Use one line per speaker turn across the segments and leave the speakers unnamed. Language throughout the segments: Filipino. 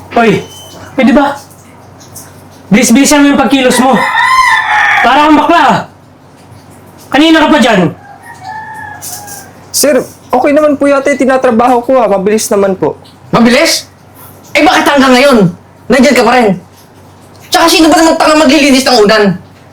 Hoy, pwede ba? Bilis-bilisan mo yung pagkilos mo. Para kang bakla ah. Kanina ka pa dyan.
Sir, okay naman po yata yung tinatrabaho ko Mabilis naman po.
Mabilis? Eh bakit hanggang ngayon? Nandyan ka pa rin. Tsaka sino ba namang tanga maglilinis ng unan?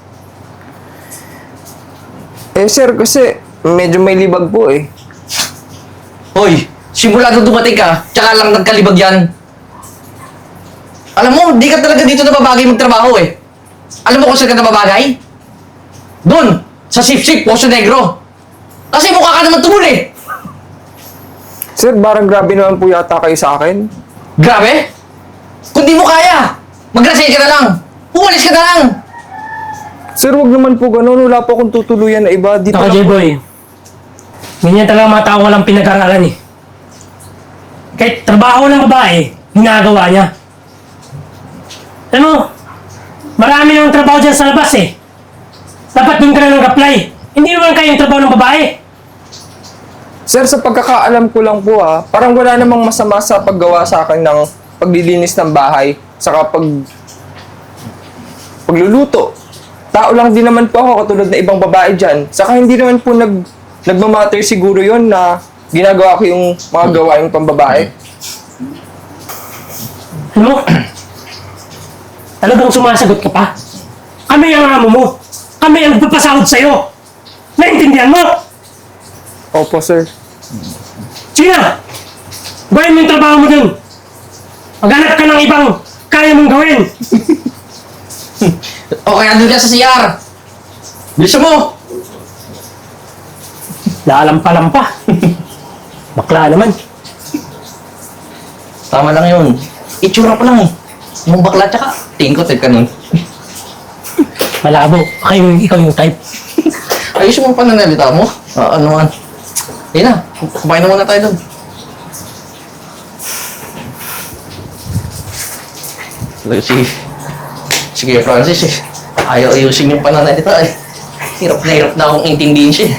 Eh sir, kasi medyo may libag po eh.
Hoy, simula nung dumating ka, tsaka lang nagkalibag yan. Alam mo, di ka talaga dito nababagay magtrabaho eh. Alam mo kung saan ka nababagay? Doon, sa Sip-Sip, Poso Negro. Kasi mukha ka naman tumul eh.
Sir, parang grabe naman po yata kayo sa akin.
Grabe? Kung di mo kaya, mag-resign ka na lang. Umalis ka na lang.
Sir, wag naman po ganun. Wala po akong tutuluyan na iba. Dito
Saka
lang po.
J-Boy, ganyan talaga mga tao walang pinag-aralan eh. Kahit trabaho ng babae, ginagawa niya. Alam mo, marami nang trabaho dyan sa labas eh. Dapat doon ka na nag-apply. Hindi naman kayo yung trabaho ng babae.
Sir, sa pagkakaalam ko lang po parang wala namang masama sa paggawa sa akin ng paglilinis ng bahay, saka pagluluto. Tao lang din naman po ako katulad na ibang babae dyan. Saka hindi naman po nagmamatter siguro yon na ginagawa ko yung mga gawaing pambabae.
Ano? Talagang sumasagot ka pa? Kami ang amo mo. Kami ang nagpapasahod sa'yo. Naintindihan mo?
Opo, sir.
Sige na! Gawin mo yung trabaho mo dun. Maghanap ka ng ibang kaya mong gawin.
O kaya doon ka sa CR. Bilisan mo.
Lalampa-lampa. Bakla naman.
Tama lang yun. Itsura pa lang eh. Yung bakla tsaka, tingin ko type ka nun.
Malabo. Ikaw yung type.
Ayos mo ang pananalita mo. Ano man. Ayun na, kumain na muna tayo doon. Sige, Francis eh. Ayaw ayusin yung pananalita eh. Hirap na akong intindihin siya.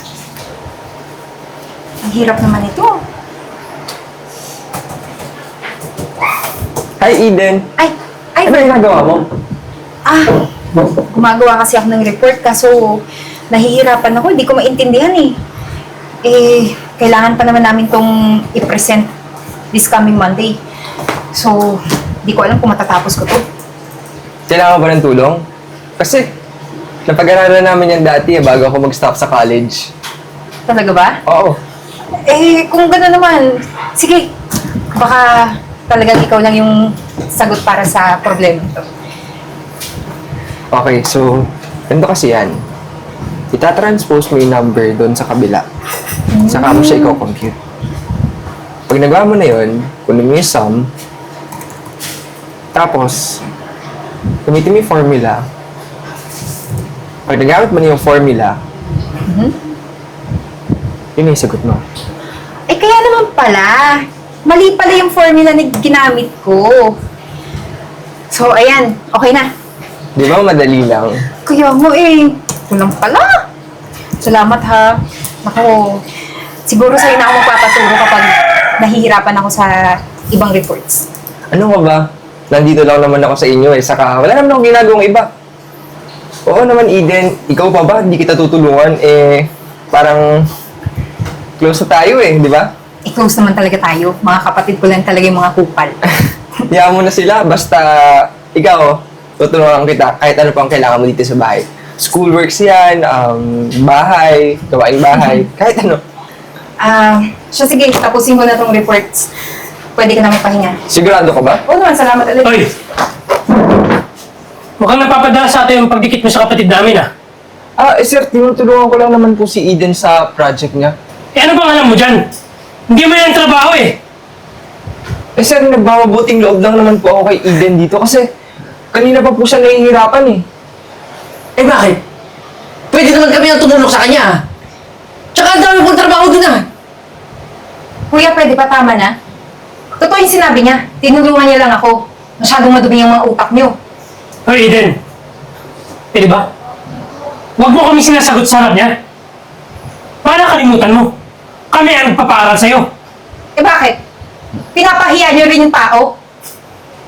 Ang hirap naman ito.
Hi, Eden.
Ay,
Ano yung ginagawa mo?
gumagawa kasi ako ng report kaso nahihirapan ako. Hindi ko maintindihan eh. Kailangan pa naman namin tong i-present this coming Monday. So, di ko alam kung matatapos ko to.
Kailangan ba ng tulong? Kasi, napag-aralan namin yan dati bago ako mag-stop sa college.
Talaga ba?
Oo.
Kung gano'n naman, sige, baka talagang ikaw lang yung sagot para sa problema ito.
Okay, so, ganito kasi yan. Itatranspose mo yung number doon sa kabila. Saka mo siya i-compute. Pag nagawa mo na yun, kunin mo yung sum, tapos, gamitin mo yung formula. Pag nagamit mo na yung formula, yun na yung sagot mo.
Kaya naman pala. Mali pala yung formula na ginamit ko. So, ayan. Okay na.
Di ba madali lang?
Kaya mo kulang pala. Salamat ha. Naku, siguro sa'yo na ako magpapaturo kapag nahihirapan ako sa ibang reports.
Ano ka ba? Nandito lang naman ako sa inyo saka wala naman akong ginagawang iba. Oo naman, Eden. Ikaw pa ba? Hindi kita tutulungan. Parang close na tayo di ba?
Close naman talaga tayo. Mga kapatid ko lang talaga yung mga kupal.
Hayaan mo na sila. Basta ikaw, tutulungan kita kahit ano pang kailangan mo dito sa bahay. Schoolworks yan, bahay, gawaing bahay, kahit ano.
So sige, tapusin ko na tong reports. Pwede ka na magpahinga.
Sigurado ka ba?
Oo naman, salamat ulit.
Hoy! Mukhang napapadala sa atin yung pagdikit mo sa kapatid namin ah.
Sir, tinutulungan ko lang naman po si Eden sa project niya.
Ano bang alam mo dyan? Hindi mo yan trabaho eh.
Sir, nagmamabuting loob lang naman po ako kay Eden dito kasi kanina pa po siya nahihirapan
Bakit? Pwede naman kami ang tumulong sa kanya. Tsaka ang dami pong trabaho doon
Kuya, pwede pa tama na? Totoo yung sinabi niya. Tinulungan niya lang ako. Masyadong madumi yung mga utak niyo.
Hoy, Eden. Pwede ba? Huwag mo kami sinasagot sa harap niya. Para kalimutan mo. Kami ang nagpapaaral sa'yo.
Bakit? Pinapahiya niyo rin yung tao?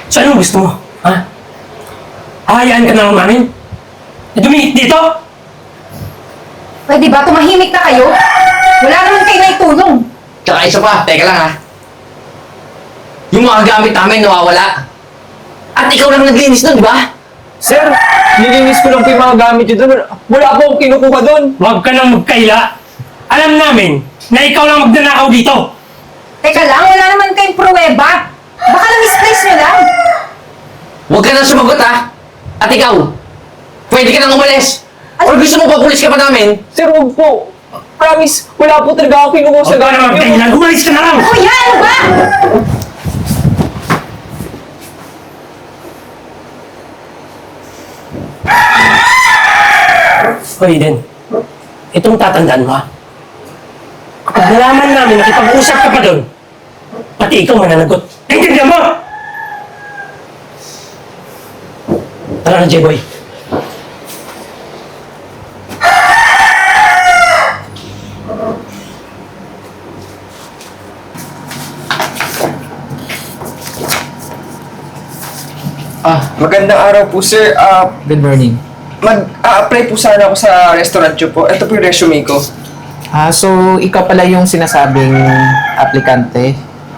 So anong gusto mo? Ha? Hahayaan ka na lang namin? Na dumingit dito?
Pwede ba? Tumahimik na kayo? Wala naman kayo na itulong.
Tsaka isa pa, teka lang ha. Yung mga gamit namin nawawala. At ikaw lang naglinis nun, di ba?
Sir, nilinis ko lang po yung mga gamit nyo doon. Wala po akong kinukuha doon.
Huwag ka nang magkaila. Alam namin na ikaw lang magnanakaw dito.
Teka lang, wala naman kayong pruweba. Baka na-misplace nyo lang.
Huwag ka nang sumagot ha. At ikaw, pwede ka nang umalis. Or gusto mo pa pulis ka pa namin?
Sir, huwag po. Promise, wala po talaga akong kinukuha sa
Huwag ka nang
gamit nyo.
magkaila. Umalis ka na lang!
Kuya, ano ba?
O Eden, itong tatandaan mo ha. Kapag nalaman namin nakipag-usap ka pa doon, pati ikaw mananagot. Naintindihan mo! Tara na, J-Boy.
Magandang araw po, sir.
Good morning.
Mag-a-apply po sana ako sa restaurant nyo po. Ito po yung resume ko.
So ikaw pala yung sinasabing aplikante.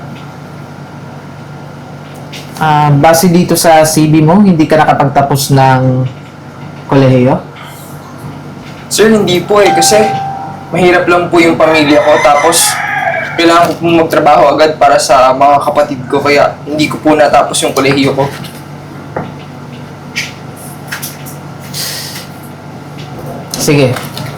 Base dito sa CV mo, hindi ka nakapagtapos ng kolehiyo?
Sir, hindi po eh. Kasi mahirap lang po yung pamilya ko. Tapos, kailangan ko po magtrabaho agad para sa mga kapatid ko. Kaya hindi ko po natapos yung kolehiyo ko.
Sige.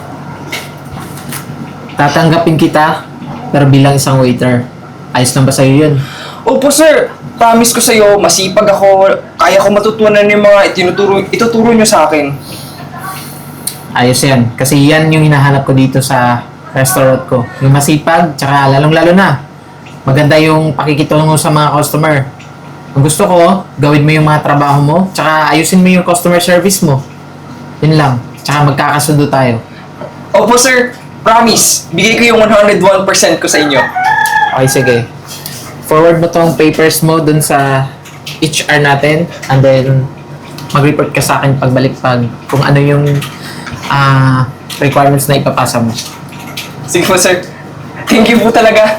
Tatanggapin kita, pero bilang isang waiter. Ayos lang ba sa'yo yun?
Opo, sir. Promise ko sa'yo, masipag ako. Kaya ko matutunan yung mga ituturo nyo sa akin.
Ayos yan. Kasi yan yung hinahanap ko dito sa restaurant ko. Yung masipag, tsaka lalong-lalo na. Maganda yung pakikitungo sa mga customer. Kung gusto ko, gawin mo yung mga trabaho mo, tsaka ayusin mo yung customer service mo. Yun lang. Tsaka magkakasundo tayo.
Opo, sir. Promise. Bigay ko yung 101% ko sa inyo.
Okay, sige. Forward mo tong papers mo dun sa HR natin and then mag-report ka sa akin pagbalik pag kung ano yung requirements na ipapasa mo.
Sige po, sir. Thank you po talaga.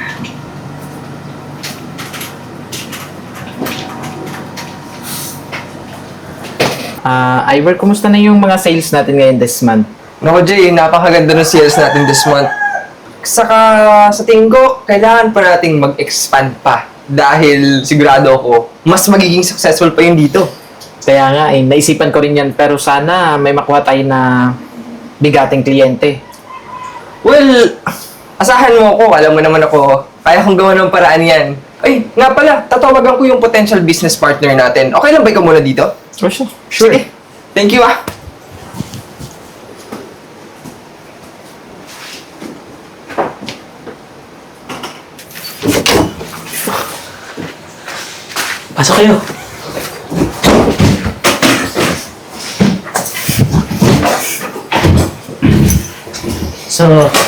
Ivor, kumusta na yung mga sales natin ngayon this month?
Naku, Jay, napakaganda ng sales natin this month. Saka sa tingin ko, kailangan pa nating mag-expand pa. Dahil sigurado ako, mas magiging successful pa yun dito.
Kaya nga naisipan ko rin yan pero sana may makuha tayo na bigating kliyente.
Well, asahan mo ako. Alam mo naman ako, kaya kong gawa ng paraan yan. Ay, nga pala, tatawagan ko yung potential business partner natin. Okay lang ba ikaw muna dito?
For sure.
Sure. Thank you, ah.
Pasok kayo. So,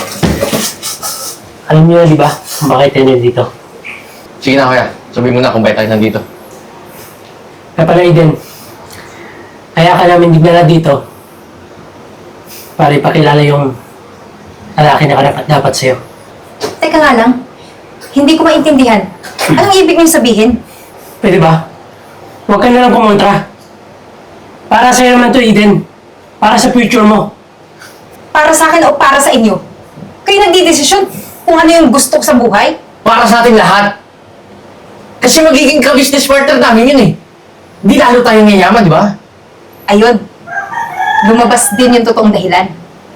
alam niyo na di ba kung bakit tayo dito?
Sige na kuya, sabihin mo na kung bakit tayo nandito.
Kaya pala Eden, kaya ka namin dinala dito para ipakilala yung lalaki na karapat dapat sa'yo.
Teka nga lang. Hindi ko maintindihan. Anong ibig niyong sabihin?
Pwede ba? Huwag ka na lang kumontra. Para sa'yo naman to, Eden. Para sa future mo.
Para sa akin o para sa inyo? Kayo nagdidesisyon kung ano yung gusto ko sa buhay?
Para sa ating lahat. Kasi magiging ka-business partner namin yun eh. Di lalo tayong yayaman, di ba?
Ayun. Lumabas din yung totoong dahilan.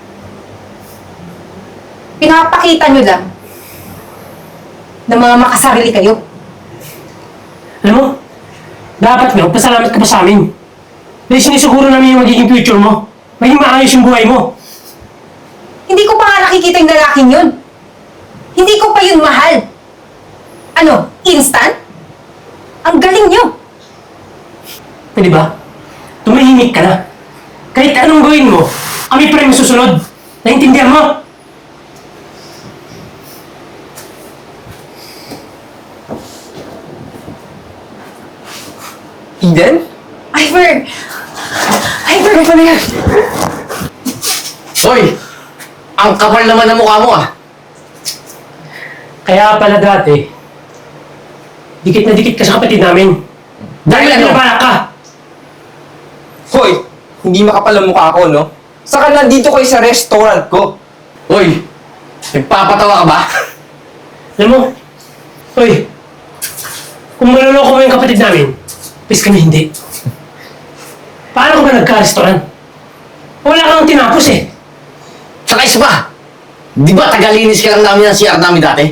Pinapakita nyo lang na mga makasarili kayo.
Alam mo, dapat nga, pasalamat ka pa sa amin. Dahil sinisuguro namin yung magiging future mo. Maging maayos yung buhay mo.
Hindi ko pa nga nakikita yung lalaking yun. Hindi ko pa yun mahal. Ano, instant? Ang galing nyo.
Pwede ba? Tumahimik ka na. Kahit anong gawin mo, kami pa rin masusunod. Naintindihan mo?
Eden?
Ivor! Ivor!
Ano pala yan?
Hoy! Ang kapal naman ng mukha mo ah.
Kaya pala dati, dikit na dikit ka sa kapatid namin. Dahil
Dahil ano?
nabalak ka.
Hoy, hindi makapal ang mukha ko, no? Saka nandito kayo sa restaurant ko.
Hoy! Nagpapatawa ka ba?
Alam mo, hoy, kung maluloko mo yung kapatid namin, please kami hindi. Paano ka ba nagka-restaurant? Wala kang tinapos eh.
Saka isa pa! Di ba tagalinis ka lang namin ng CR namin dati?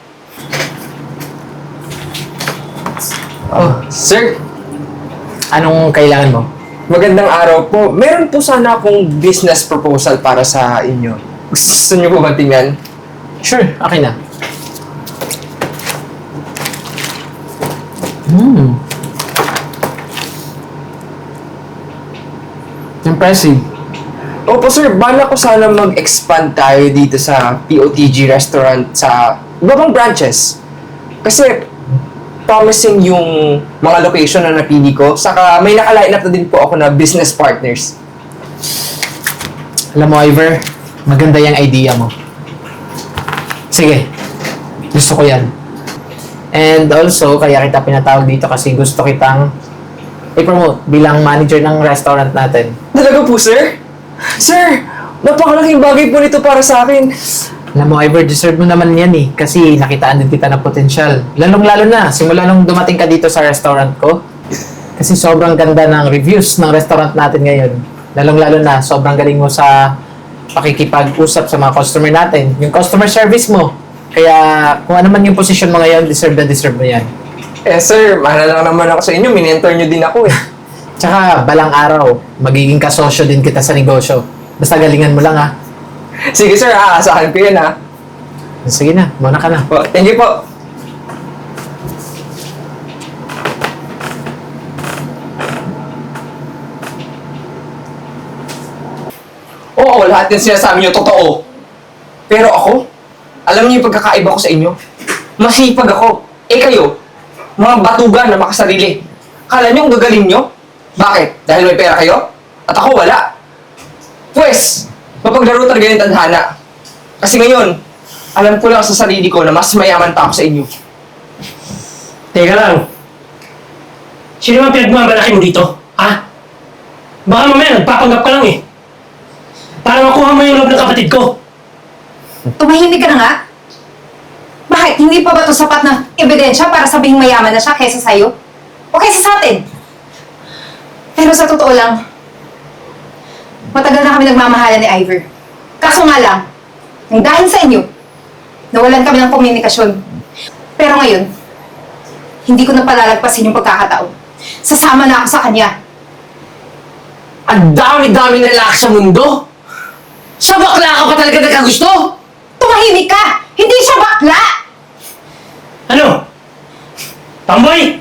Oh, sir,
Anong kailangan mo?
magandang araw po. Meron po sana akong business proposal para sa inyo. Gusto niyo po ba tingnan?
Sure, okay na. Impressive.
Opo sir, bala ko sana mag-expand tayo dito sa POTG restaurant sa ibang branches. Kasi promising yung mga location na napili ko. Saka may naka-line up na din po ako na business partners.
Alam mo, Ivor, maganda yung idea mo. Sige, gusto ko yan. And also, kaya kita pinatawag dito kasi gusto kitang i-promote bilang manager ng restaurant natin.
Talaga po sir? Sir, napakalaking bagay po nito para sa akin.
Alam mo, Ivor, deserve mo naman yan eh. Kasi nakitaan din kita ng potensyal. Lalong-lalo na, simula nung dumating ka dito sa restaurant ko. Kasi sobrang ganda ng reviews ng restaurant natin ngayon. Lalong-lalo na, sobrang galing mo sa pakikipag-usap sa mga customer natin. Yung customer service mo. Kaya kung ano man yung position mo ngayon, deserve na deserve mo yan.
Eh sir, mahal lang naman ako sa inyo. Minentor nyo din ako eh.
Tsaka, balang araw, magiging kasosyo din kita sa negosyo. Basta galingan mo lang ha.
Sige sir, aasahan ko yan ha.
Sige na, muna ka na.
Po, thank you po. Oo, lahat yung sinasabi niyo totoo. Pero ako, alam niyo yung pagkakaiba ko sa inyo? Masipag ako. Eh kayo, mga batugan na makasarili. Kala niyo ang gagaling niyo? Bakit? Dahil may pera kayo? At ako wala. Pwes, mapaglaro talaga yung tadhana. Kasi ngayon, alam ko lang sa sarili ko na mas mayaman pa ako sa inyo.
Teka lang. Sino naman pinagmamalaki mo dito? Ha? Baka mamaya nagpapanggap ka lang eh. Para makuha mo yung loob ng kapatid ko.
Tumahimik ka na nga. Bakit? Hindi pa ba ito sapat na ebidensya para sabihing mayaman na siya kaysa sa'yo? O kaysa sa atin? Pero sa totoo lang, matagal na kami nagmamahalan ni Ivor. Kaso nga lang, nang dahil sa inyo, nawalan kami ng komunikasyon. Pero ngayon, hindi ko na palalagpasin yung pagkakataon. Sasama na ako sa kanya.
Ang dami-dami na lalaki sa mundo! Sa bakla ka pa talaga nagkagusto!
Tumahimik ka! Hindi siya bakla!
Ano? Tamboy!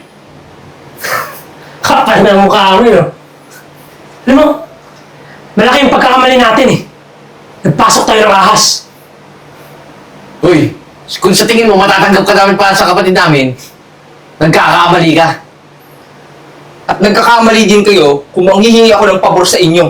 Kapal na mukha mo yun. Alam mo, malaki yung pagkakamali natin eh. Nagpasok tayo ng ahas.
Uy, kung sa tingin mo matatanggap ka namin para sa kapatid namin, nagkakamali ka.
At nagkakamali din kayo kung manghihingi ako ng pabor sa inyo.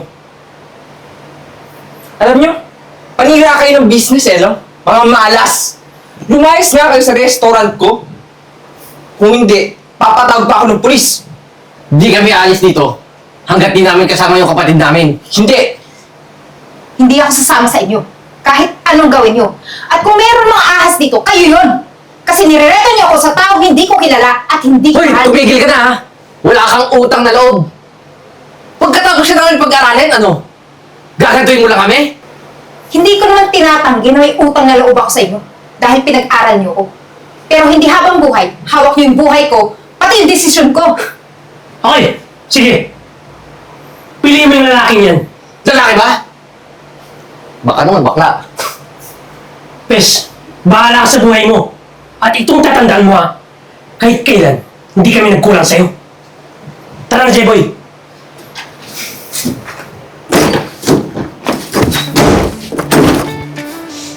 Alam nyo, panira kayo ng business eh, no? Mga malas. Lumayas nga kayo sa restaurant ko. Kung hindi, papatawag pa ako ng pulis.
Di kami alis dito hanggat di namin kasama yung kapatid namin.
Hindi.
Hindi ako sasama sa inyo. Kahit anong gawin nyo. At kung meron mga ahas dito, kayo yun! Kasi nirereto niyo ako sa taong hindi ko kilala at hindi
Hoy,
mahal.
tumigil ka na ha! Wala kang utang na loob. Pagkatapos na namin pag-aralin, ano? Gagantuin mo lang kami?
Hindi ko naman tinatanggi na may utang na loob ako sa inyo dahil pinag-aral niyo ako. Pero hindi habang buhay, hawak niyo yung buhay ko, pati yung desisyon ko.
Okay, sige. Piliin mo yung lalaking yan.
Lalaki ba? Baka naman bakla.
Pes, bahala ka sa buhay mo. At itong tatandaan mo ha, kahit kailan, hindi kami nagkulang sa'yo. Tara na, J-Boy.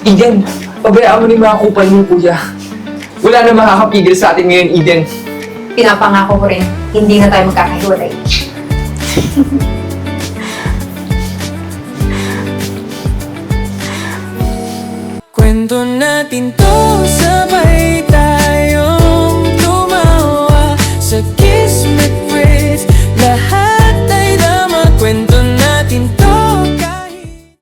Eden, pabayaan mo na yung mga kupal mo, kuya. Wala na makakapigil sa atin ngayon, Eden.
pinapangako ko rin, hindi na tayo magkakahiwalay.
Kwento natin to, sabay tayong tumawa sa kismet